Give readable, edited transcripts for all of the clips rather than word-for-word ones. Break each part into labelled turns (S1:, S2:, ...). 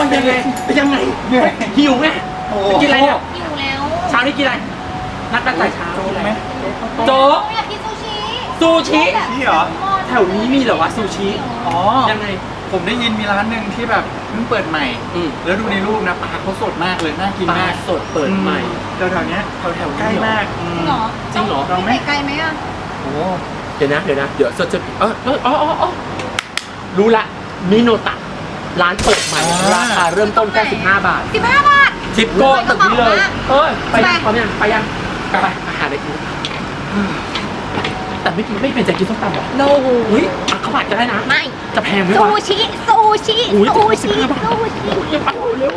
S1: ยังไงหิวไหมจะกินอะไรเนี่ย
S2: หิวแล้ว
S1: เช้านี้กินอะไรนัดใส่เช้ากินอะไรโจ๊
S2: โจ๊
S1: ก
S2: อยากกินซูชิ
S1: ซูชิ
S3: นี่เหรอ
S1: แถวนี้มีเหรอวะซูชิ
S3: อ๋อ
S1: ยังไง
S3: ผมได้ยินมีร้านหนึ่งที่แบบเพิ่งเปิดใหม่ แล้วดูในรูปนะปลาเขาสดมากเลยน่ากิน
S1: ปลาม
S3: าก
S1: สดเปิดใหม่
S3: แถวๆเนี้ยแถวๆใกล้มาก
S2: จริงเหรอ
S1: จริงเหรอ
S3: ลองไหม
S2: ไกลไหมอ่ะ
S3: โอ้
S1: เดี๋ยวจะรู้ละมิโนตะร้านเปิดใหม่ราคาเริ่มต้นแค่15 บาท
S2: 15 บาท
S1: ทิปโก้ตึกนี้เลยเฮ้ยไป
S2: ไป
S1: พร้อมยังไปยังไปอาหารอะไรกินแต่ไม่เป็นใจกินส้มตำหรอ
S2: โน
S1: อุ้ยข้าวผัดก็ได้นะ
S2: ไม่
S1: จะแพงไหม
S2: ซู
S1: วะ
S2: ชิซูชิ
S1: อุ้ย
S2: ซูชิ
S1: 15 บาท
S2: ซูชิ
S1: อย่าไปเร็ว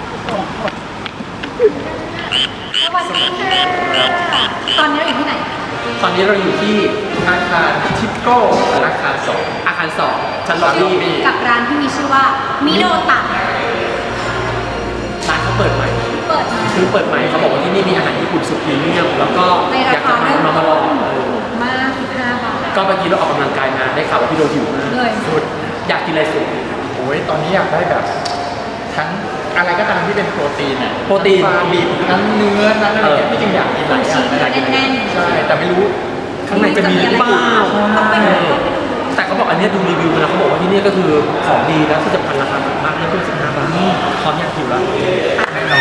S2: สวัสดีค่ะตอนนี้เราอยู่ที่ไหน
S1: ตอนนี้เราอยู่ที่อาคารทิปโก้อาคาร2ชั้นล็อบบี้
S2: กับร้านที่มีชื่อว่ามิโนตะ
S1: ร้านเขาเปิดใหม่
S2: เปิดมา
S1: คือเปิดใหม่เขาบอกว่าที่นี่มีอาหารญี่ปุ่นสุดพรีเมียมแล้วก็
S2: ใน
S1: อ
S2: รา
S1: ยาก
S2: คา
S1: จะ
S2: เริ่ม
S1: มา
S2: ต้
S1: ลอง
S2: นมาก15 บาท
S1: ก็เมื่อกี้เราออกกำลังกายมาได้ข่าวว่าพี่โดหิวมาก
S2: เลย
S3: สุด
S1: อยากกินอะไรสุด
S3: โอ้ยตอนนี้อยากได้แบบทั้งอะไรก็ตามที่เป็นโปรตีนอ่ะ
S1: โปรตีน
S3: ปลาบีบทั้งเนื้อทั้งอะไรเนี่ยที่จริงอยากกินหลายอย่าง
S2: อยากกินแน่นๆ
S3: ใช่แต่ไม่รู้
S1: ข้างในจะมีหรือเปล่า
S2: ต้องไปดู
S1: แต่เขาบอกอันเนี้ยดูรีวิวมาแล้วเขาบอกว่าที่นี่ก็คือของดีแล้วที่สำคัญราคาถูกมากไม่เกิน15 บาทพร้อมอยากหิวแล้ว
S3: แน่นอน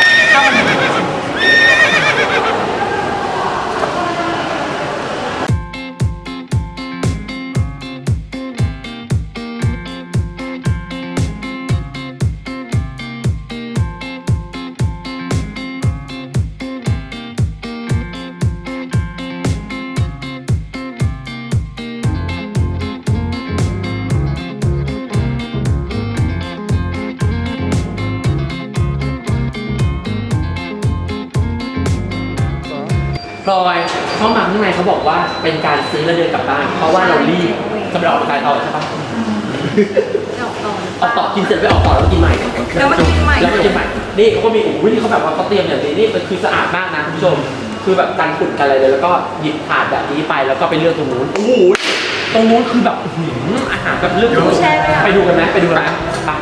S1: พลอยเข้ามาข้างในเขาบอกว่าเป็นการซื้อแล้วเดินกลับบ้านเพราะว่าเรารีบจะไปออกกำลังกายต่อใช่ปะ
S2: ออกต่อ
S1: ออกต่อกินเสร็จไปออกต่อแล้วกินใหม่
S2: แล้วมากินใหม่
S1: แล้วมากินใหม่นี่เขาก็มีอุ้ยนี่เขาแบบว่าเขาเตรียมอย่างนี้นี่มันคือสะอาดมากนะคุณผู้ชมคือแบบกันฝุ่นกันอะไรเลยแล้วก็หยิบถาดแบบนี้ไปแล้วก็ไปเลือกตรงนู้นโอ้โหตรงนู้นคือแบบอาหารแบบเลือกไปดูกันไหมไปดูกันไหมไป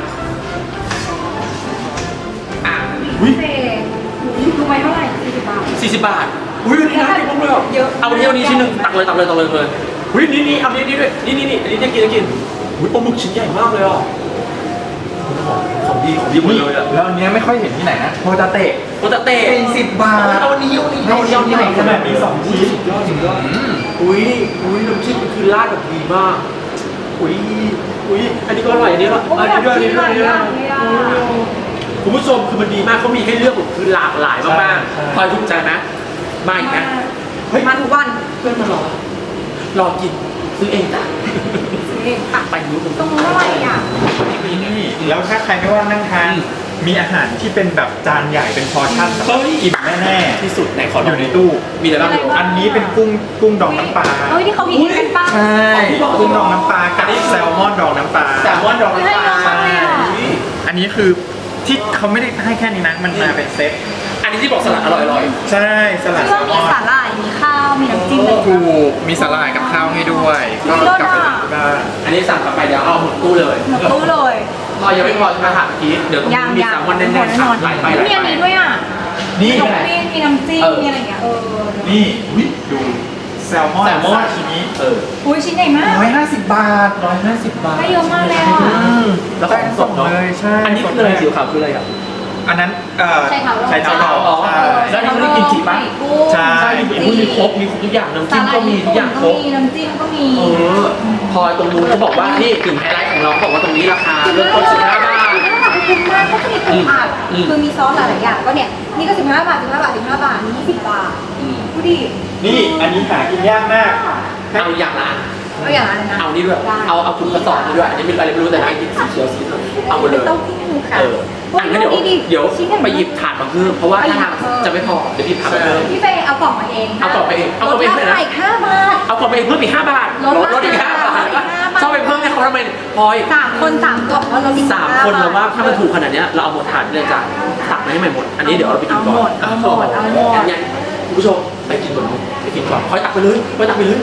S1: อ่ะอุ้ย
S2: เศษรู้ไหมเท่าไหร่40 บาท
S1: 40 บาทอุ้ยนี่น่ากินมากเลยอ่ะ
S2: เยอะ
S1: เอาวันนี้ชิ้นหนึ่งตักเลยอุ้ยนี่เอานี่ด้วยนี่อันนี้จะกินอุ้ยปลาหมึกชิ้นใหญ่มากเลยอ่ะของดีหมดเลยอ่ะ
S3: แล้วอันเนี้ยไม่ค่อยเห็นที่ไหนนะโฮตาเตะ
S1: โอตาเต้
S3: 40 บาท
S1: เอาอันนี้
S3: ใหญ่ขนาดนี้2ชิ้น
S1: สุดยอดอุ้ยน้ำจิ้มคือราดแบบดีมากอุ้ยอันนี้ก็อร่อยอันนี้ก็
S2: โอ้ยอยากกินหลายอย่างเลยอ่ะ
S1: คุณผู้ชมคือมันดีมากเขามีให้เลือกแบบคือหลากหลายมากๆพลอยถูกใจไหมมาอีกไหม
S2: มาทุกวัน
S1: เพื่อนมารอกินซื้อเองจ้ะ
S2: ซื้อเองค่ะ
S1: ไปนู้น
S2: ตรงนู้นอะไรอ่ะ
S3: นี่แล้วถ้าใครไม่ว่างนั่งทานมีอาหารที่เป็นแบบจานใหญ่เป็นพอร์ชั่นแบบอิ่มแน่
S1: ที่สุดไหนขอ
S3: ๆอยู่ในตู้
S1: มีอะไรบ้าง
S3: อันนี้เป็นกุ้งดองน้ำปลา
S2: เฮ้ยที่เขามีกันป้า
S3: ใช่กุ้งดองน้ำปลากับแซลมอนดองน้ำปลา
S1: แซลมอนดองน้ำปลา
S2: ใช่
S3: อันนี้คือที่เขาไม่ได้ให้แค่นี้นะมันมาเป็นเซต
S1: อันนี้ที่บอกสลัดอร่อย
S3: ใช่สลัด
S2: เค
S3: แซ
S2: รื่อง
S3: ลม
S2: มี
S3: อน
S2: สาหร่ายมีข้าวมีน้ำจิ้มเลย
S3: ถูกมีสลายกับข้าวให้ด้วยก็กลับไปทานที่บ้าน
S1: ๆอันนี้สั่งกลับไปเดี๋ยวเอาหมดตู้เลย
S2: หมดตู้เลย
S1: พอยังไม่พอใช่ไหมถามเมื่อกี้เดี๋ยวตรงนี้มีแซลมอนแน่นๆครับไหลไป
S2: มีอันนี้ด้วยอ่ะ
S3: นี่
S2: ขนมจีนมีน้ำจิ้มมีอะไรอย่างเงี้ย
S3: นี่ดูแซลมอน
S1: แซลมอน
S3: ซาชิมิ
S2: อุ้ยชิ้นใหญ่มาก
S3: 150 บาท
S1: 150 บาท
S2: ได้เยอะมากเลยอ่ะ
S1: แล้วของสดเนาะ
S3: เลยใช่
S1: อันนี้คืออะไรสีขาวคืออะไรอ่ะ
S3: อันนั้น
S2: ใช่ค่ะ
S3: ใช่เท้าเรา
S1: อ๋อ
S3: ใช่
S1: แล้วนี่เขาได้กินจีบปะ
S3: ใช่
S1: ใช่มีครบทุกอย่างน้ำจิ้มก็มีทุกอย่างครบ
S2: มีน้ำจิ้มก็มี
S1: พอตรงนู้นเขาบอกว่านี่กึ่งไฮไลท์ของเราเขาบอกว่าตรงนี้ราคาเริ่มต้น15 บาท
S2: คุ้มมากก็จะมีผักผัดคือมีซอสหลายๆอย่างก็เนี่ยนี่ก็15 บาท15 บาท15 บาทนี่20 บาทดูดิ
S3: นี่อันนี้หากินยากมาก
S1: เอาอย่างละ
S2: เอาอย่างอะไรนะ
S1: เอานี่ด้วยเอาคุณกระสอบนี่ด้วยอันนี้เป็นอะไรไม่รู้แต่น่ากินสีเขียวสีเหลืองเอาหมดเลย
S2: เต้าหู้ค่ะ
S1: อันนั้นเดี๋ยวไปหยิบถาดมาเพิ่มเพราะว่าถ้าทางจะไม่พอเดี๋ยวหยิบถาดมาเพิ่ม
S2: พี่เฟย์เอากล่องมาเอง
S1: เอากล่องไปเองเอากล่องไปเองเลยนะ
S2: ลดราคาอีก5 บาท
S1: เอากล่องไปเองเพิ่มอีก5 บาท
S2: ลด
S1: อีก5 บาท
S2: ลดอีก5 บาท
S1: ชอบไปเพิ่มให้เขาทำไมพลอย
S2: 3 คน3 กล่องแล้วลดอีก
S1: 3 คนเราว่าถ้ามันถูกขนาดเนี้ยเราเอาหมดถาดเลยจ้ะตักมาให้ใหม่หมดอันนี้เดี๋ยวเราไปกินก่อนงั้นคุณผู้ชมไปกินก่อนไปกินก่อนพลอยตักไปเลยพลอยตักไปเลย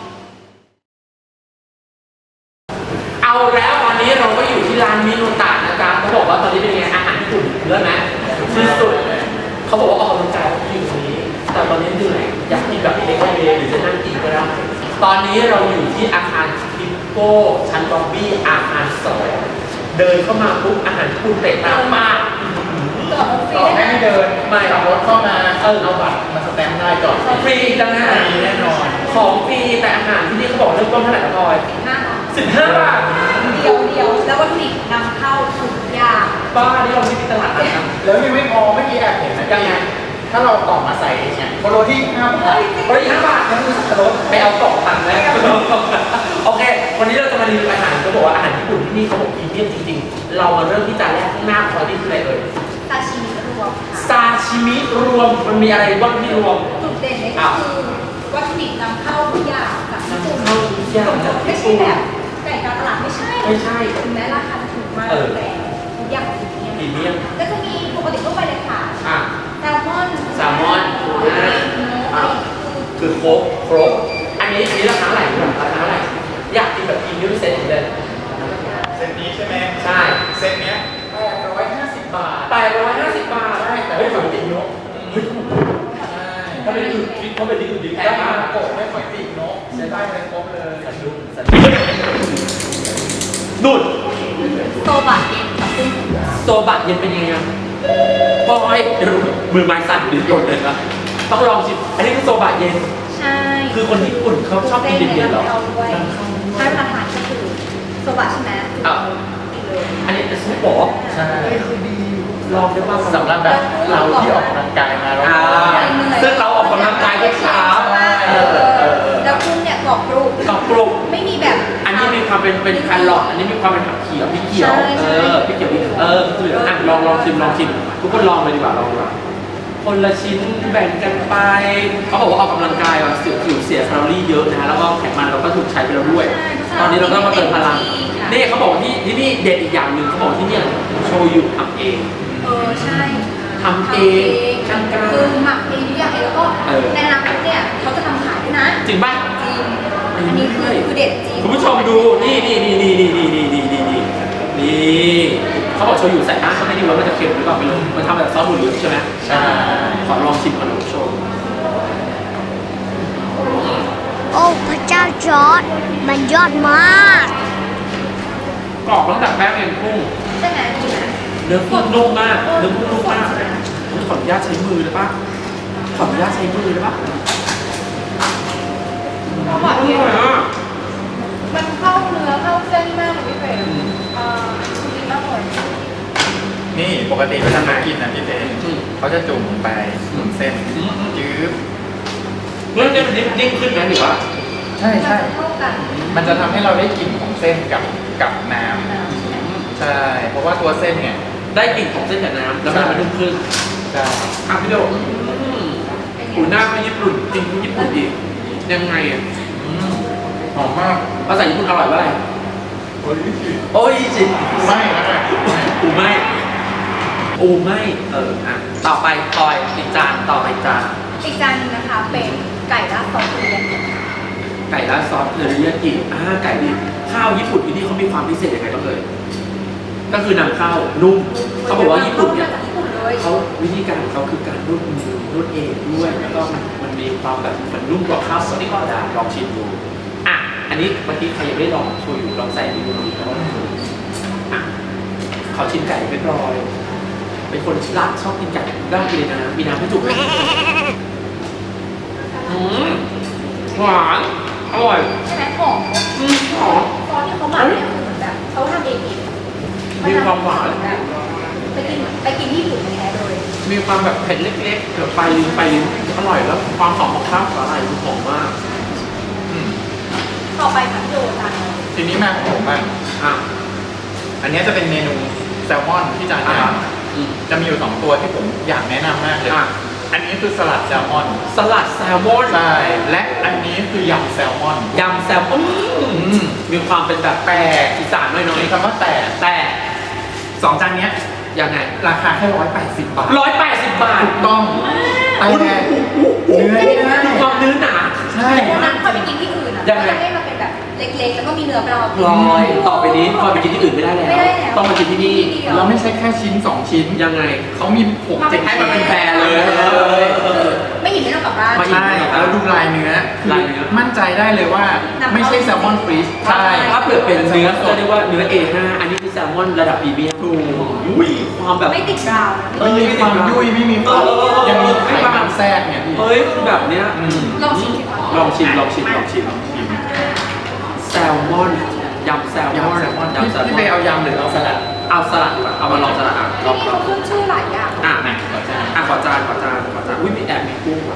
S1: เอาแล้วตอนนี้เราก็อยู่ที่ร้านมิโนตะนะเขาบอกว่าตอนนี้เป็นยังไงอาหารญี่ปุ่นเลิศไหมที่สุดเขาบอกว่าออกกำลังกายอยู่ตรงนี้ แต่ตอนนี้เหนื่อยอยากกินแบบเล็กๆเลยหรือจะนั่งกินก็ได้ตอนนี้เราอยู่ที่อาคารทิปโก้ชั้นล็อบบี้อาคาร2เดินเข้ามาปุ๊บอาหารญี่ปุ่นเตะตามมาก
S3: ต่อให้ไม่เดิน
S1: ไม่
S3: ขับรถเข้ามาเอาบัตรมาสแตมป์ได้ก่อน
S1: ฟรีจังนะ
S3: ฟรีแน่นอน
S1: ของฟรีแต่อาหารที่นี่เขาบอกเริ่มต้นเท่าไหร่ครับพลอย
S2: 15 บาท
S1: 15 บาท
S2: เดียวแล้ววัตถุดิบนำเข้าทุกอย่าง
S1: บ้านี่เราไม่มีตลาดนัดนะ
S3: แล้วยังไม่พอเมื่อกี้แอบเห็นนะยังไงถ้าเราต่อมาใส่เนี่ยโคโรที่5 บาท
S1: บริหารบาทยังมีสับปะรดไปเอากล่องตังค์นะโอเค วันนี้เราจะมารีวิวอาหารเขาบอกว่าอาหารญี่ปุ่นที่นี่เขาบอกพรีเมียมจริงๆ เรามาเริ่มที่จานแรกข้างหน้าพลอยนี่คืออะไรเอ่ย
S2: ซาชิมิรวมค่ะ
S1: ซาชิมิรวมมันมีอะไรบ้างที่รวม
S2: จุดเด่นเลยก็คือวัตถุดิบนำเข้าทุกอย่างจากญี่ปุ่น
S1: นำเข้าทุกอย่างจากญี่
S2: ไม่
S1: ปุ่
S2: ใช่
S1: น
S2: แบบไก่กาตลาดไม่ใช่
S1: ไม่ใช่
S2: ถึงแม้ราคาจะถูกมากแต่ทุกอย่างพรีเมียม
S1: พรีเมียม
S2: ก็จะมีปกติทั่วไปเลยค่ะ
S1: อ่ะ
S2: แซลมอน
S1: แซลมอนทูน่า
S2: อ่ะ
S1: คือครบอันนี้ราคาเท่าไหร่ราคาเท่าไหร่อยากกินแบบพรีเมียมเซ็ตเลย
S3: เซตนี้ใช่ไหม
S1: ใช่
S3: เซตเนี้ย850 บาท
S1: 850 บาท
S3: ใช่แต่
S1: เฮ้
S3: ไม่
S1: ย
S3: ฝั
S1: ฝั
S3: ง
S1: ง
S3: ติ
S1: ติ
S3: ด
S1: ด
S3: น
S1: น
S3: ก
S1: ก
S3: เฮ้ย
S1: ใช่ถ้าเป็นอื่นคิดเขาเป็นอื่นดีแพ
S3: แต่
S1: ง
S3: มาม
S1: าก
S3: โกะไม่ฝังติดนกใช้ได้เลยครบเลย
S1: นุ่น
S2: โซบะเย็นกับกุ้ง
S1: โซบะเย็นเป็นยังไงอะบอยเดี๋ยวมือไม้สั่นดิโดนเลยนะต้องลองชิมอันนี้คือโซบะเย็น
S2: ใช่
S1: คือคนญี่ปุ่นเขาชอบกินเย็นๆเหรอ
S2: ด้วยถ้าเวลาทานก็คือโซบะใช่ไหม
S1: อ่ะ
S2: กินเลย
S1: อันนี้เป็นซุปหรอ
S3: ใช่
S1: ลองได้ป่ะ
S3: สำหรับแบบเราที่ออกกำลังกายมาแล้ว
S1: อ่าซึ่งเราออกกำลังกายทุกเช้า
S2: แล้วกุ้งเนี่ยกรอบกรุบ
S1: กับกลุ่ม
S2: ไม่มีแบบ
S1: อันนี้มีความเป็นแครอทอันนี้มีความเป็นผักเขียวพริกเขียว
S2: ใช่ใช่
S1: พริกเขียวพริกคืออ่ะลองชิมทุกคนลองเลยดีกว่าลองดีกว่าคนละชิ้นแบ่งกันไปเขาบอกว่าออกกำลังกายแบบผิวเสียแคลอรี่เยอะนะฮะแล้วก็ไขมันเราก็ถูกใช้ไปแล้วด้วย ตอนนี้เราก็มาเติมพลังนี่เขาบอกที่นี่เด็ดอีกอย่างหนึ่งเขาบอกที่เนี่ยโชยุทำเอง
S2: ใช่
S1: ทำเองช่างกล้า
S2: คือหมักเองทุกอย่างเองแล้วก็
S1: เออ
S2: ในอนาคตเนี่ยเขาจะทำขายด้วยนะ
S1: จริงป่ะ
S2: จริงอันนี้คือเด็ดจริง
S1: คุณผู้ชมดูนี่เขาบอกโชยุใส่หน้าเขาไม่ดีว่ามันจะเค็มหรือเปล่าไม่รู้มันทำแบบซอสหมูเหลืองใช่ไหม
S3: ใช่
S1: ขอลองชิมก่อนนะคุณผู้ชม
S4: โอ้พระเจ้าจอร์ดมันยอดมาก
S1: กรอบตั้งแต่แป้งเองกุ้ง
S2: ใช่ไหมดีไหม
S1: เนื้อกุ้งนุ่มมากเนื้อกุ้งนุ่มมากขออนุญาตใช้มือได้ปะขออนุญาตใช้มือได้ปะ
S2: เขาบอก
S1: อ
S2: เนี่ย
S1: ร่อยอ่ะ
S2: มันเข้าเนื้อเข้าเส้นมากเลยพี่เฟรมดีมากเลย
S3: นี่ปกติเวลามากินนะพี่เต้เขาจะจุ่มลงไปจุ่มเส้นจื๊บ
S1: เรื่องนี้มันนิ่งขึ้นไหมหรือว่า
S3: ใช่
S2: มัน
S3: ใช่
S2: จะเข้ากัน
S3: มันจะทำให้เราได้กลิ่นของเส้นกับน้ำใช่ เพราะว่าตัวเส้นเนี่ย
S1: ได้กลิ่นของเส้นกับน้ำแล้วมันนุ่มขึ้น
S3: ใช่
S1: อ่ะพี่โดหูหน้าไม่ญี่ปุ่นจริงญี่ปุ่นอีกยังไงอ่ะ
S3: หอมมาก
S1: ภาษาญี่ปุ่นอร่อยว่าอะไร
S3: โอ้ย
S1: โอ้ยจริง
S3: ไม่นะ
S1: อูไม่อ่ะต่อไปพลอยอีกจานต่อไปอีกจาน
S2: อีกจานหนึงนะคะเป็นไก่ราดซอสเทริยากิ
S1: ไก่ราดซอสเทอริยากิไก่ดิบข้าวญี่ปุ่นที่นี่เขามีความพิเศษยังไงบ้างเลยก็คือนำข้าวนุ่มเขาบอกว่าญี่ปุ่นเนี่ย
S2: มาจากญี่ปุ่นเลย
S1: เขาวิธีการของเขาคือการนวดมือนวดเองด้วยแล้วก็มันมีความแบบมันนุ่มกว่าข้าวสดที่ก็ได้ลองชิมดูอ่ะอันนี้เมื่อกี้ใครยังไม่ได้ลองโชยุลองใส่ดูนะครับอ่ะขอชิมไก่เรียบร้อยเป็นคนรักชอบกินไก่ได้กินนะมีน้ำให้จุกไหมหวานอร่อย
S2: ใช่ไหมหอม
S1: หอม
S2: ซอสที่เขาหมักเนี่ยคือเหมือนแบบเขาทำเอง
S1: มีความหวาน
S2: ไปกินที่อื่นแท้เลย
S1: มีความแบบเผ็ดเล็กๆเกือบไปลิ้นอร่อยแล้วความหอมของข้าวสาหร่ายคือหอมมาก
S2: ต่อไปค่ะพี่โดจานนี้
S3: ทีนี้มาของผมบ้าง
S1: อ่ะ
S3: อันนี้จะเป็นเมนูแซลมอนที่จานใหญ่จะมีอยู่2ตัวที่ผมอยากแนะนำมากเลย
S1: อ่ะ
S3: อันนี้คือสลัดแซลมอน
S1: สลัดแซลมอน
S3: ใช่ และอันนี้คือยำแซลมอน
S1: ยำแซลมอนมีความเป็นแบบแปลกอีสานหน่อย
S3: มีคำว่าแต่
S1: ๆแต่
S3: 2 จานเนี้ย
S1: ยังไง
S3: ราคาแค่180 บาท
S1: 180 บาท
S3: ถูกต้องแต่เนื้อไม่ได้
S1: ดูความเนื้อหนา
S3: ใช่
S2: วันนั้นพอไปกินที่อื่นอ่ะ
S1: ยังไง
S2: จะให้มันเป็นแบบเล็กๆแล้วก็มีเนื้อปลา
S1: พลอยต่อไปนี้พลอยไปกินที่อื่นไม่ได้แล้ว
S2: ไม่ได้แล้ว
S1: ต้องมากินที่นี่
S3: แล้วไม่ใช่แค่ชิ้น 2 ชิ้น
S1: ยังไง
S3: เขามี6 7
S1: ให้มันเป็นแฟร์เลย
S2: ไม่หยิบไม่ต้องกลับบ้าน
S1: ไม่
S3: ใช่แล้วดูลายเนื้อ
S1: ลายเนื้อ
S3: มั่นใจได้เลยว่าไม่ใช่แซลมอนฟรีส
S1: ใช่ถ้าเปลือกเป็นเนื้อจะเรียกว่าเนื้อ A5 อันนี้คือแซลมอนระดับพรีเมียมอุ้ยความแบบ
S2: ไม่ติดกาวนะ
S3: ไม่มีความยุ่ยไม่มีความยังมีไขมันแทรกเนี่ยพี่
S1: เฮ้ยคือแบบเนี้ย
S2: ลองชิมสิคะ
S1: ลองชิมแซลมอนยำแซลมอน
S3: ยำแซลมอน
S1: ยำแซลม
S3: พี่
S1: อ
S3: เบ
S1: น
S3: ย์เอายำหรือเอาสลัด
S1: เอาสลัดดีกว่าเอามาลองสลัดลอง
S2: ที่นี่เขาขึ้นชื่อหลายอย่าง
S1: อ่ะ
S3: นะขอจาน
S1: ขอจานอุ้ยมีแอบมีกุ้งว่ะ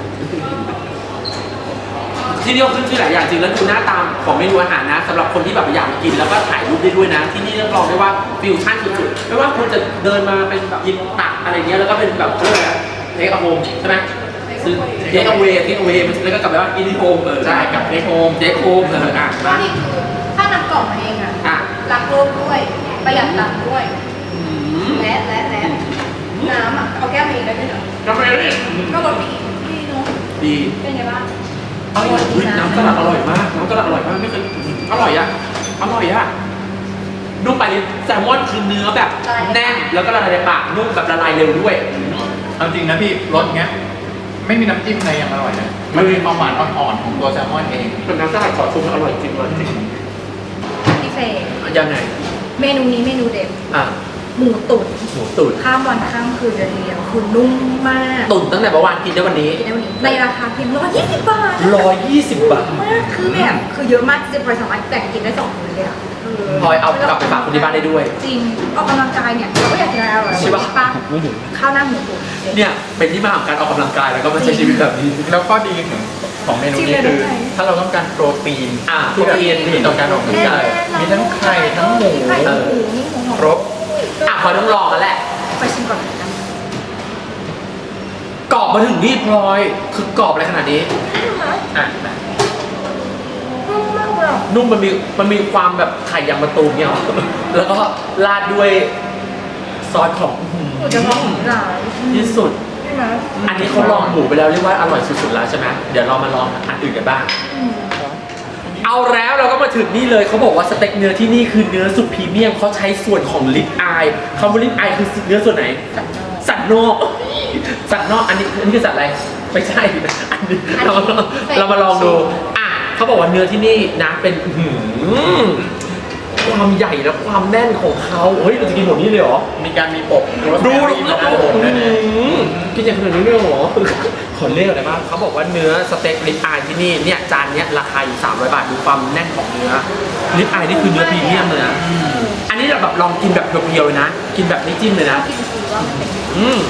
S1: ที่นี่เขาขึ้นชื่อหลายอย่างจริงแล้วดูหน้าตามของเมนูอาหารนะสำหรับคนที่แบบอยากกินแล้วก็ถ่ายรูปได้ด้วยนะ ที่นี่รับรองได้ว่าฟิวชั่นสุดๆไม่ว่าคุณจะเดินมาเป็นแบบยินตักอะไรเงี้ยแล้วก็เป็นแบบเรื่องเทคอะโฮมใช่ไหมซื้อเทคเอาเวมันแล้วก็กลับไปว่าอินดิโฮม
S3: ใช่กับเทคโฮม
S1: เทคโฮมอ่ะ
S2: ก็นี่คือถ้านำกล่องมาเองอ่ะ
S1: อ่ะ
S2: รักโลกด้วยประหยัดตังค์ด้วย
S1: อืม
S2: และน้ำอ่ะเอาแก้วมาเองได้ด้วยเหรอ
S1: ทำไมเนี่ย
S2: ก็รสดีดีเนาะ
S1: ดี
S2: เป็นไงบ้าง
S1: อร่อยอุ๊ยน้ำสลัดอร่อยมากน้ำสลัดอร่อยมากไม่เคยอร่อยอ่ะนุ่มไปเลยแซลมอนคือเนื้อแบบแน่นแล้วก็ละลายในปากนุ่มแบบละลายเร็วด้วย
S3: เอาจริงนะพี่รสเงี้ยไม่มีน้ำจิ้มอะไรยังอร่อยนะมันมีความหวานอ่อนๆของตัวแซลมอนเอง
S1: เป็นน้ำสลัดขอชมอร่อยจริงเลยจริง
S2: พี่เฟย์
S1: ยังไง
S2: เมนูนี้เมนูเด็ด
S1: อ่ะ
S2: หมูตุ๋น
S1: หมูตุ๋น
S2: ข้ามวันข้ามคืนเลยทีเดียวคือนุ่มมาก
S1: ตุ๋นตั้งแต่เมื่อวานกินได้วันนี้
S2: กินได้วันนี้ในราคาเพียง120 บาท
S1: 120 บาท
S2: มากคือแบบคือเยอะมากจะพลอยสามารถแบ่งกินได้2 มื้อเลยอ่ะ
S1: พลอยเอากลับไปฝากคนที่บ้านได้ด้วย
S2: จริงออกกำลังกายเนี่ยเราก็อยากกินอะไรอร่อย
S1: ใช่ปะ
S2: ข้าวหน้าหมูตุ๋น
S1: เนี่ยเป็นที่มาของการออกกำลังกายแล้วก็มาใช้ชีวิตแบบนี้
S3: แล้วก็ดีของเมนูนี้คือถ้าเราต้องการโปรตีน
S1: อ่ะ
S3: ที่แบบ
S1: โปรตีน
S3: ดีต่อการออกกำลังกายมีทั้งไข่ทั้งหมู
S2: ไข่ทั้งหมูนี่หมูหอม
S3: ครบ
S1: อ่ะพลอยต้องลองกันแหละ
S2: ไปชิมก่อนนะ
S1: กรอบมาถึงนี่พลอยคือกรอบอะไรขนาดนี้
S3: อ่ะ
S2: นุ่มมากเลยอ่ะ
S1: นุ่มมันมีความแบบไข่ยางมะตูมเนี่ยหรอ แล้วก็ราดด้วยซอสของ
S2: หมูจะหอมหลาย
S1: ที่สุด
S2: ใช่ไหม
S1: อันนี้เขาลองหมูไปแล้วเรียกว่าอร่อยสุดๆแล้วใช่ไหมเดี๋ยวเรามาลองอันอื่นกันบ้าง เอาแล้วเราก็มาถึงนี่เลยเขาบอกว่าสเต็กเนื้อที่นี่คือเนื้อสุดพรีเมียมเขาใช้ส่วนของลิปอายคำว่าลิปอายคือเนื้อส่วนไหน สันนอกสันนอกอันนี้คือสัตว์อะไรไม่ใช่อันนี้เรามาลองดูอ่ะเขาบอกว่าเนื้อที่นี่นะเป็นความใหญ่และความแน่นของเขาเฮ้ยเราจะกินหมดนี้เลยเหรอ
S3: มีการมีปกโรส
S1: ดู
S3: แมรี่มาด้านบนด้วยนะ
S1: กินอย่างขนาดนี้เลยเหรอขอเรียกอะไรบ้างเขาบอกว่าเนื้อสเต็กลิปอายที่นี่เนี่ยจานเนี้ยราคาอยู่300 บาทดูความแน่นของเนื้อลิปอายนี่คือเนื้อพรีเมียมเลยนะอันนี้เราแบบลองกินแบบเพียวๆเลยนะกินแบบไม่จิ้มเลยนะ
S2: กินสีว่ามันเป็น
S1: อืม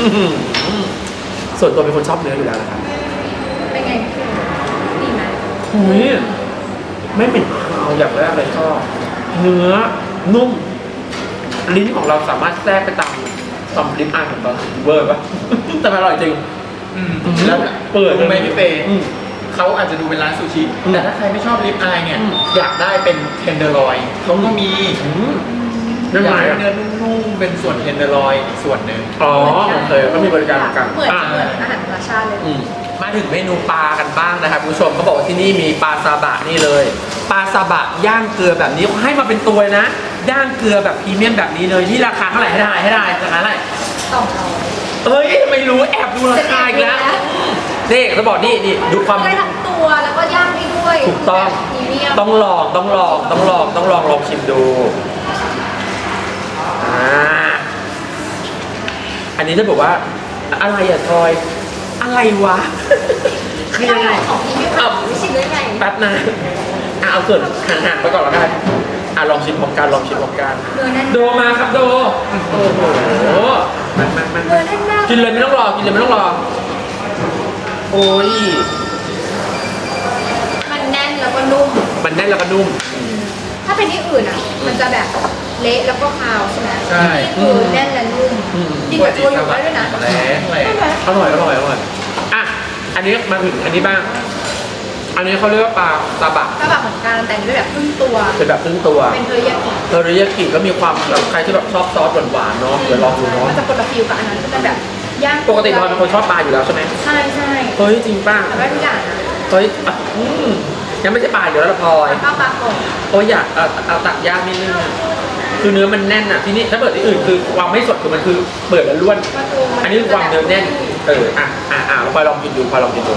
S1: ส่วนตัวเป็นคนชอบเนื้ออยู่แล้วนะครับ
S2: เป็นไงดีไหม
S1: หุยไม่เหม็นคาวอย่างแรกเลยชอบเนื้อนุ่ม ลิ้นของเราสามารถแทรกไปตามลิ้นอายของเราเวอร์ปะ แต่มันอร่อยจริง
S3: แล้ว
S1: เปิด
S3: รู้ไหมพี่เฟย์
S1: อืม
S3: เขาอาจจะดูเป็นร้านซูชิ
S1: อืม
S3: แต่ถ้าใครไม่ชอบลิปอายเนี่ย
S1: อืม
S3: อยากได้เป็นเทนเดอร์ลอยเขาก็มี
S1: นั่น
S3: อ
S1: ไง
S3: ยากได้
S1: อ่ะ
S3: เนื้อนุ่มๆเป็นส่วนเทนเดอร์ลอยอีกส่วนหนึ่ง
S1: อ๋อโอเคก็มีบริการเหมือนกัน
S2: เหมือนอาหารธรรมชาติเลย
S1: มาถึงเมนูปลากันบ้างนะครับคุณผู้ชมเขาบอกว่าที่นี่มีปลาซาบะนี่เลยปลาซาบะย่างเกลือแบบนี้เขาให้มาเป็นตัวนะย่างเกลือแบบพรีเมียมแบบนี้เลยนี่ราคาเท่าไหร่ให้ได้ราคาเท่าไหร่
S2: 200
S1: เฮ้ยไม่รู้แอบดูราคาอีกแล้วนี่เขาบอกนี่ดูความ
S2: ได้ทั้งตัวแล้วก็ย่างได้ด้วย
S1: ถูกต้อง
S2: พรีเมียม
S1: ต้องลองชิมดูอันนี้จะบอกว่าอะไรอะทอยอะไรวะคือยังไง
S2: ของพรีเมียมแบบไม่ชิมได้ไง
S1: แป๊บนะเอาส่วนห่างๆไปก่อนแล้วกันลองชิมพร้อมกัน
S2: เนื้อแน่น
S1: โดมาครับโดโอ้โหมัน
S2: เนื้อแน่นมาก
S1: กินเลยไม่ต้องรอโอ้ย
S2: มันแน่นแล้วก็นุ่ม
S1: มันแน่นแล้วก็นุ่ม
S2: ถ้าเป็นที่อื่นอ่ะ มันจะแบบเละแล้วก็คาวใช่ไหม
S3: ใช่
S2: นี่คือแน่นและนุ่มกินกับตัวอยู่ได้ด้วยนะ
S3: แรงเลย
S2: ใช่ไหม
S1: อร่อยอ่ะอันนี้มาถึงอันนี้บ้างอันนี้เขาเรียกว่าปลาซาบะ
S2: ก็แบบเหมือนกันแต่งด้วยแบบครึ่งตัว
S1: เป็นแบบครึ่งตัว
S2: เป็นเทอริยากิ
S1: เทอริยากิก็มีความแบบใครที่แบบชอบซอสหวานๆเนาะเดี๋ยวลองดูเนาะ
S2: มันจะคนละฟิลกับอันนั้นก็จะแบบย่าง
S1: ปกติพลอยเป็นคนชอบปลาอยู่แล้วใช่ไหม
S2: ใช่
S1: เฮ้ยจริงป่ะ
S2: ทำได้ทุกอย่างนะ
S1: เฮ้ยอ่ะยังไม่ใช่ปลาอยู่แล้วละพลอย
S2: ข้าวปลาโป่ง
S1: โอ้ยอยากเอาตักย่างนิดนึงอะคือเนื้อมันแน่นอ่ะที่นี่ถ้าเปิดที่อื่นคือความไม่สดคือมันคือเปิดแล้วล้วน อันนี้คือความเนื้อแน่นพลอยลองกินดูพลอยลองกินดู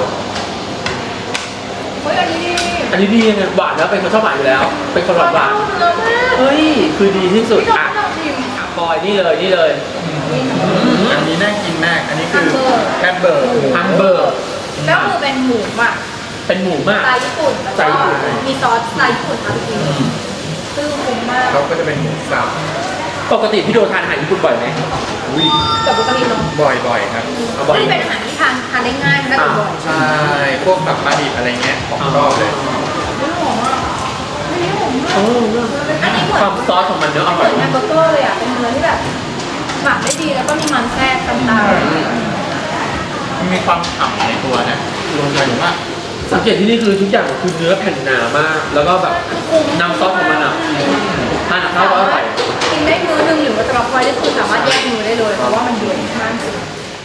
S2: เฮ้ยอันนี้ดี
S1: อันนี้ดีไงหวานแล้วเป็นคนชอบหวานอยู่แล้ว เป็นคนหวาน
S2: เนื้อมาก
S1: เฮ้ยคือดีที่สุด
S2: พี่น้อง
S1: อ่ะ
S2: ไม่ต้องชิม
S1: พลอยนี่เลย
S3: อันนี้น่ากินมาก อันนี้คือแฮมเบอร์
S1: ฮัมเบอร์
S2: แล้วคือเป็นหมูหมัก
S1: เป็นหมูมาก
S2: สไตล์ญี่ปุ่นแล้ว
S1: สไตล์ญี่
S2: ก็
S1: ปุ่น
S2: มีซอสสไตล์ญี่ปุ่นทำอีกทีหนึงซึ่งคุ้มมาก
S3: แล้วก็จะเป็นหมูสับ
S1: ปกติพี่โดทานอาหารญี่ปุ่นบ่อยไหม
S3: อุ้ย
S2: กับวิตามินเนาะ
S3: บ่อยๆครับ
S1: เอาบ่อย
S2: นี่เป็นอาหารที่ทานได้ง่ายทานได้บ่อย
S3: ใช่ พวกแบบปลาดิบอะไรเงี้ยของชอบเลย
S2: ๆไม่หอมอ่ะไม่หอม
S1: เอ
S2: มาก
S1: อ
S2: อันนี้เหมือน
S1: ความซอสของมันเนื้ออ
S2: เห
S1: ร่
S2: มื
S1: อ
S2: อย นแฮมเบอร์เกอร์เลยอ่ะเป็นเนื้อที่แบบหมักได้ดีแล้วก็มีมันแทรกต่าง
S3: มันมีความฉ่ำในตัวนะรวมกันว่า
S1: สังเกตที่นี่คือทุกอย่างคือเนื้อแผ่นหนามาก แล้วก็แบบน้ำซอสของมันอ่ะทานกับข้าวก็อร่อย
S2: ๆกินได้มื้อนึงหรือว่าจะรับไว้ได้คือสามารถแยกมื้อได้เลยเพราะว่ามันเยอะมากจริง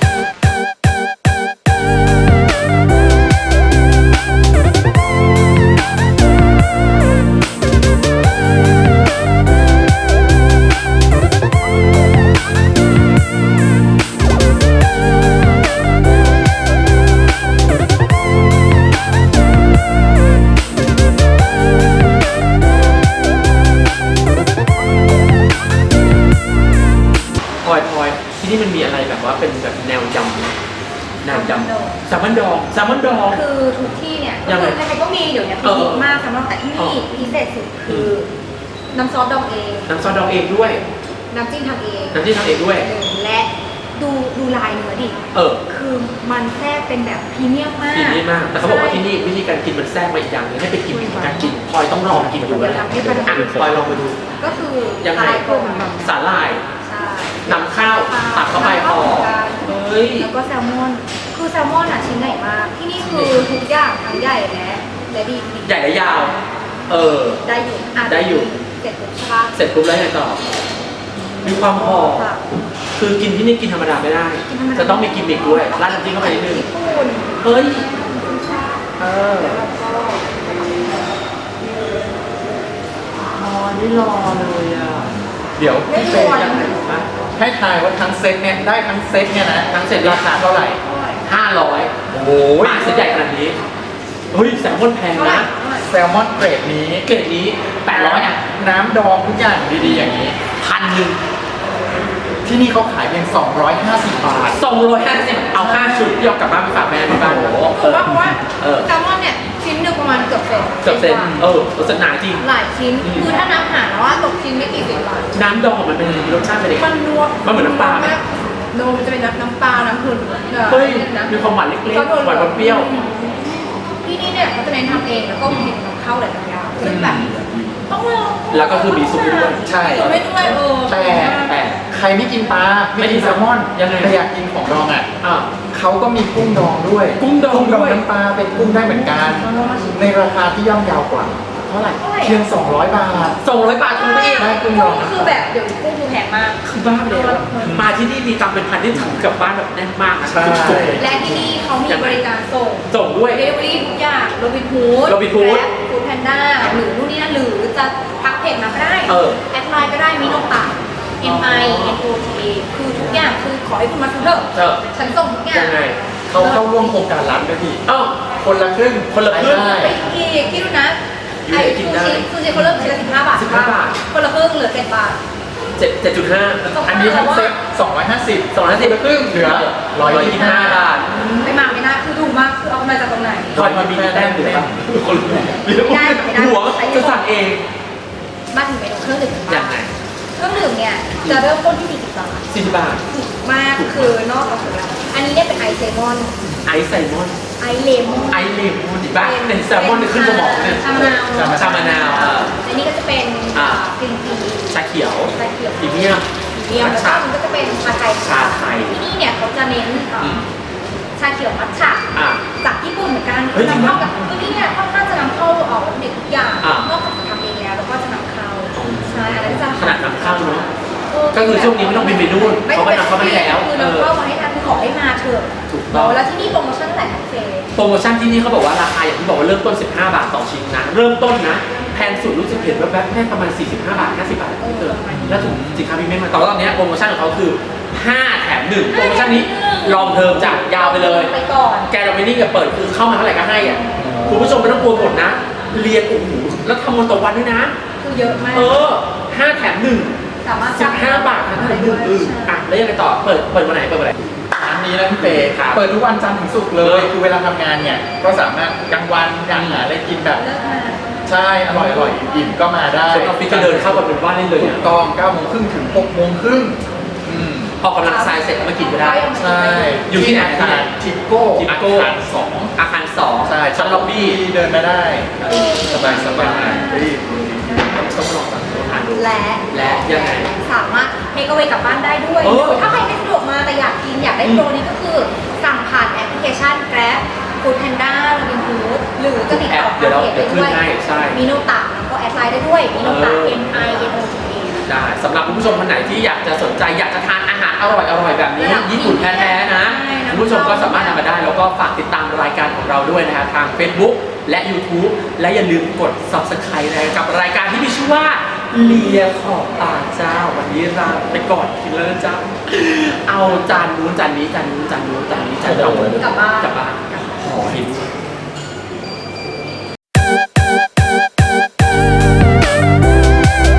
S1: พลอยที่นี่มันมีอะไรแบบว่าเป็นแบบแนวยำไหมแนวยำแซลมอนดอง
S2: คือทุกที่เนี่ย
S1: ยังไง
S2: คือใครๆก็มีเดี๋ยวนี้คือฮิตมากสำหรับแต่ที่นี่พิเศษสุดคือน้ำซอสดองเอง
S1: น้ำซอสดองเองด้วย
S2: น้ำจิ้มทำเอง
S1: น้ำจิ้มทำเองด้วย
S2: และดูลายเนื้อดิ
S1: เออ
S2: คือมันแทรกเป็นแบบพรีเมียมมาก
S1: กินนี่มาก แต่เขาบอกว่าที่นี่วิธีการกินมันแทรกมาอีกอย่างหนึงให้ไปกินการกินพลอยต้องลองกินดูแล้วอ่ะพลอยลองไปดู
S2: ก็คือ
S1: ยังไง
S2: ลายกลม
S1: สาหร่าย
S2: ใช่
S1: นำข้าวตักเข้าไปพอเฮ้ย
S2: แล้วก็แซลมอน คือแซลมอนอ่ะชิ้นใหญ่มาก ที่นี่คือทุกอย่างทั้งใหญ่และดี
S1: ใหญ่และยาว เออ
S2: ได้อยู่ะ
S1: ได้อยู่
S2: เสร็จปุ๊บใช่ปะ
S1: เสร็จปุ๊บแล้วไงต่อ มีความหอม
S2: ค่ะ
S1: คือกินที่นี่กินธรรมดาไม่ได้
S2: กินธรรมดา
S1: จะต้องมีกิมมิคด้วยราดน้ำจิ้มเข้าไปนิดนึง
S2: ญี่ปุ่น
S1: เฮ้ย เออ
S2: แล้วก็
S1: นี่รอเลยอ่ะ
S3: เดี๋ยว
S2: ไม่
S3: พี่
S2: ช
S3: เฟ
S2: วน
S3: ย์ให้ทายว่าทั้งเซตเนี่ยได้ทั้งเซตเนี่ยนะ
S1: ทั้งเสร็จ
S3: ราคาเท่าไหร่
S1: 500
S3: โอ้โห
S1: หมาเส้นใหญ่ขนาดนี้ เฮ้ยแซลมอนแพง
S2: เท่าไหร่
S1: นะ
S3: แซลมอนเกรดนี้
S1: เกรดนี้800อ่ะ
S3: น้ำดองทุกอย่างดีๆอย่างนี้
S1: 1,000
S3: ที่นี่เขาขายเพียง250 บาท
S1: 250เอา5ชุดที่เอากลับบ้านไปฝากแม่ที่บ้าน
S3: โอ้โห
S2: ถูกว่าเพราะว่า
S1: เออ
S2: แซลมอนเนี่ยชิ้นหนึ่งประมาณเกือบเซน
S1: เกือบเซนรู้สึกหนาจริง
S2: หลายชิ้น คือถ้านับหารแล้วว่าตกชิ้นไม่กี่สิบบาท
S1: น้ำดองมันเป็นรสชาติเป็นยังไง
S2: มันนัว
S1: มันเหมือนน้ำปลาไหม
S2: โนมันจะเป็นน้ำปลา น้ำผึ้ง
S1: เฮ้ย มีความหวานเล็กๆ หวานเปรี้ยว
S2: ที่นี่เนี่ยเขาจะเน้นทำเองแล้วก็เห็นนำเข้าหลายๆอย่างซึ่งแบบต้องลอง
S1: แล้วก็คือมีซุปด้วย
S3: ใช่
S2: คือไม่ด้วย
S3: แต่
S1: แต่
S3: ใครไม่กินปลาไม่กินแซลมอน
S1: ยังไง
S3: แต่อยากกินของดองอ่ะ
S1: อ่ะ
S3: เขาก็มีกุ้งดองด้วย
S1: กุ้งดองด้วย
S3: น้ำปลาเป็นกุ้งได้เหมือนกัน ในราคาที่ย่อมเยาวกว่า
S1: เท่าไหร่
S3: เพียง200 บาท
S1: 200 บาทคุณเอง
S3: ได้กุ้งดอง
S2: คือแบบเดี๋ยวกุ้งคือแพงมาก
S1: คือบ้าไปแล้วมาที่นี่มีตังค์เป็นพันที่ถึงกลับบ้านแบบแน่นมากอะ
S3: ใช่
S1: จุกๆเลย
S2: และที่นี่เขามีบริการส่ง
S1: ส่งด้วย
S2: เดลิเวอรี่ทุกอย่างโรบินฮูด
S1: Robinhood
S2: ฟูดแพนด้าหรือนู่นนี่นั่นหรือจะทักเพจมาก็ได้
S1: เออ
S2: แอดไลน์ก็ได้มิโนตะ MINOTA คือทุกอย่างคือขอให้คุณมาซื้อเถอะ
S1: เออ
S2: ฉันส่งทุกอย่าง
S1: ยังไง
S3: เขาเข้าร่วมโครงการร้านด้วยพี่
S1: เอ้า
S3: คนละครึ่ง
S1: คนละครึ่ง
S3: ได้
S2: ไปอีกคิดดูนะ
S1: อยู่ไหนกินได้
S2: ซูชิเขาเริ่มชิ้นละ15 บาท
S1: 15 บาท
S2: คนละครึ่งเหลือ7 บาท
S1: 7.5
S3: อันนี้ทั้งเซ็ต250
S1: 250แล้วครึ่ง
S3: เหลือ125
S1: บาท
S2: ไม่มากไม่น่าคือถูกมากคือเอามาจากตรงไหน
S1: คอยมีแต้มอยู่เลยครับคนหัวจะสั่งเอง
S2: มาถึงเมนูเครื่องดื่มกัน
S1: ยั
S2: บ้าง ง
S1: ไง
S2: เครื่องดื่มเนี่ยจะเริ่มต้นที่40 บาท
S1: 40 บาท
S2: ถูกมากคือนอกจากนั้นอันนี้เนี่ยเป็นไอซ์เลมอน
S1: ไอซ์ไซมอน
S2: ไอซ์เลมอน
S1: ไอซ์เลมอนอีกบ้างเป็นแซลมอนที่ขึ้นสมองเนี่ย
S2: ชามะนาว
S1: ชามะนาว
S2: และนี่ก็จะเป็นกรีนที
S1: ชาเขียว
S2: ชาเขียว
S1: พรีเมียม
S2: เดียวแล้วก็มันก็จะเป็นชาไทย
S1: ชาไทย
S2: ที่นี่เนี่ยเขาจะเน้นชาเขียวมัทฉะ
S1: อ่ะ
S2: จากญี่ปุ่นเหมือนกัน
S1: เฮ้ยจริง
S2: นำ
S1: ปะ
S2: เข้ากับคือที่เนี่ยค่อนข้างจะนำเข้าวัตถุดิบทุกอย่าง
S1: อ่ะ
S2: นอกจากจะทำเองแล้วก็จะนำเข้าใช่อะไรก็จะ
S1: ขนาดนำเข้าเนาะ ก็คือช่วงนี้ไม่ต้องบินไปนู่นเพราะว่านำเข้ามาให้แล้ว
S2: คือนำเข้ามาให้ทานคือขอให้มาเถอะ
S1: ถูกต้อง
S2: แล้วที่นี่โปรโมชั่นเท่าไหร่คะเฟย์
S1: โปรโมชั่นที่นี่เขาบอกว่าราคาอย่างที่บอกว่าเริ่มต้น 15 บาทต่อชิ้นนะเริ่มต้นนะแพงสุดรู้สึกเห็นว่าแค่ประมาณ 45 บาท 50 บาทไม่เกินแล้วถึงสินค้าพรีเมียมมาแต่ว่าตอนนี้โปรโมชั่นของเขาคือ 5 แถม 1 โปรโมชั่นนี้ลองเทอมจากยาวไปเลย
S2: ไปก่อน
S1: แกเราไม่นิ่งกับเปิดคือเข้ามาเท่าไหร่ก็ให้อ่ะคุณผู้ชมไม่ต้องกลัวหมดนะ เรียนโอ้โหแล้วทำวันต่อวันด้วยนะ
S2: คือเยอะมาก
S1: 5 แถม 1
S2: สามารถ
S1: 15 บาททั้งนั้นเลยอ่ะแล้วยังไงต่อเปิดวันไหนเปิดวันไหน
S3: ร้านนี้นะพี่เฟย์
S1: ครับ
S3: เปิดทุกวันจันทร์ถึงศุกร์เลย คือเวลาทำงานเนี่ยก็สามารถกลางวันอยากหาอะไรกินแบบ
S2: เลิกมา
S3: ใช่อร่อยอิ่มๆก็มาได้
S1: ส่วนออฟฟิศจะเดินเข้ามาเป็นบ้านได้เลย
S3: ถู
S1: เนี่ย
S3: กต้อง9 โมงครึ่งถึง6 โมงครึ่ง
S1: ออกกำลังกายเสร็จก็มากินก็ได้
S3: ใช่
S1: อยู่ที่ไหน
S3: อาคารทิปโก้
S1: ทิป
S3: อา
S1: โก้
S3: คาร2
S1: อาคาร2
S3: ใช่
S1: ชั้นล็อบบี้
S3: เดินมาได้สบายต้องลองสั่งทานดู
S2: และ
S1: ยังไง
S2: สามารถเทคเอาไว้กลับบ้านได้ด้วย
S1: เออ
S2: ถ้าใครไม่สะดวกมาแต่อยากกินอยากได้โปรนี้ก็คือสั่งผ่านแอปพลิเคชัน Grab Food Panda Robinhood หรือจะติดต่อ
S1: เดี๋ยวเรา
S2: เพจได้
S1: ขึ้น
S2: ด้วย
S1: ให้ใช่
S2: มีโนตะแล้วก็แอดไลน์ได้ด้วยมีโนตะ MINOTA
S1: ได้สำหรับคุณผู้ชมคนไหนที่อยากจะสนใจอยากจะทานอาหารอร่อยแบบนี้
S2: ระดับ
S1: ญี่ปุ่นแท้ๆนะ
S2: ใช่นะ
S1: คุณผู้ชมก็สามารถนำมาได้แล้วก็ฝากติดตามรายการของเราด้วยนะฮะทาง Facebook และ YouTube และอย่าลืมกด Subscribe นะกับรายการที่มีชื่อว่าเลียขอบตาเจ้าวันนี้ลาไปก่อนกินแล้วนะเจ้าเอาจานนู้นจานนี้จานนู้นจานนู้นจานนี้จานนู้น
S2: กลับบ้าน
S1: กลับบ้านขอเห็น